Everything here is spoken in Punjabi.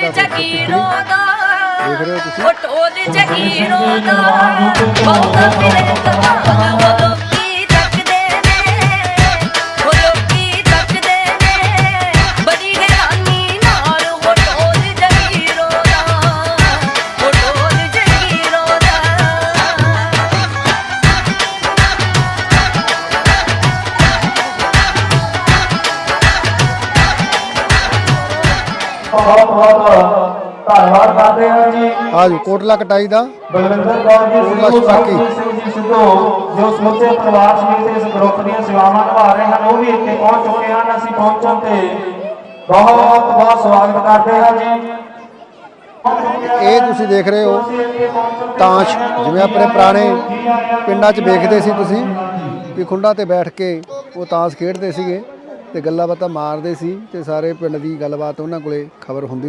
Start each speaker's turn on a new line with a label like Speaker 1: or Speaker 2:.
Speaker 1: ਦਾ
Speaker 2: ਜਗੀਰੋ ਦਾ
Speaker 1: ਦੇਖ ਰਹੇ ਹੋ ਤੁਸੀਂ।
Speaker 2: ਉਹ ਢੋਲ ਜਗੀਰੋ ਦਾ ਬਹੁਤਾ ਮਿਲੇ ਕਮਾਲ ਉਹ ਲੋਕੀ ਤੱਕਦੇ ਨੇ ਉਹ ਲੋਕੀ ਤੱਕਦੇ ਨੇ ਬੜੀ ਹੈਰਾਨੀ ਨਾਲ ਉਹ ਢੋਲ ਜਗੀਰੋ ਦਾ ਉਹ ਢੋਲ ਜਗੀਰੋ ਦਾ
Speaker 3: ਬਹੁਤ ਬਹੁਤ ਧੰਨਵਾਦ ਕਰਦੇ ਹਾਂ ਜੀ
Speaker 1: ਆਜੋ ਕੋਟਲਾ ਕਟਾਈ ਦਾ
Speaker 3: ਬਲਵਿੰਦਰ ਕੌਰ ਜੀ
Speaker 1: ਕੋਟਲਾ
Speaker 3: ਸਿੱਧੂ,
Speaker 1: ਛਪਾਕੀ।
Speaker 3: ਸਰਬਜੀਤ ਸਿੰਘ ਜੀ ਸਿੱਧੂ ਜੋ ਸਮੁੱਚੇ ਪਰਿਵਾਰ ਸਮੇਤ ਇਸ ਗਰੁੱਪ ਦੀਆਂ ਸੇਵਾਵਾਂ ਨਿਭਾ ਰਹੇ ਹਨ, ਉਹ ਵੀ ਇੱਥੇ ਪਹੁੰਚ ਚੁੱਕੇ ਹਨ। ਅਸੀਂ ਪਹੁੰਚਣ ਤੇ ਬਹੁਤ ਬਹੁਤ ਸਵਾਗਤ ਕਰਦੇ ਹਾਂ ਜੀ।
Speaker 1: ਇਹ ਤੁਸੀਂ ਦੇਖ ਰਹੇ ਹੋ ਤਾਸ਼, ਜਿਵੇਂ ਆਪਣੇ ਪੁਰਾਣੇ ਪਿੰਡਾਂ 'ਚ ਵੇਖਦੇ ਸੀ ਤੁਸੀਂ ਵੀ ਖੁੰਡਾਂ ਤੇ ਬੈਠ ਕੇ ਉਹ ਤਾਸ਼ ਖੇਡਦੇ ਸੀਗੇ ਤੇ ਗੱਲਾਂ ਬਾਤਾਂ ਮਾਰਦੇ ਸੀ ਤੇ ਸਾਰੇ ਪਿੰਡ ਦੀ ਗੱਲਬਾਤ ਉਹਨਾਂ ਕੋਲੇ ਖਬਰ ਹੁੰਦੀ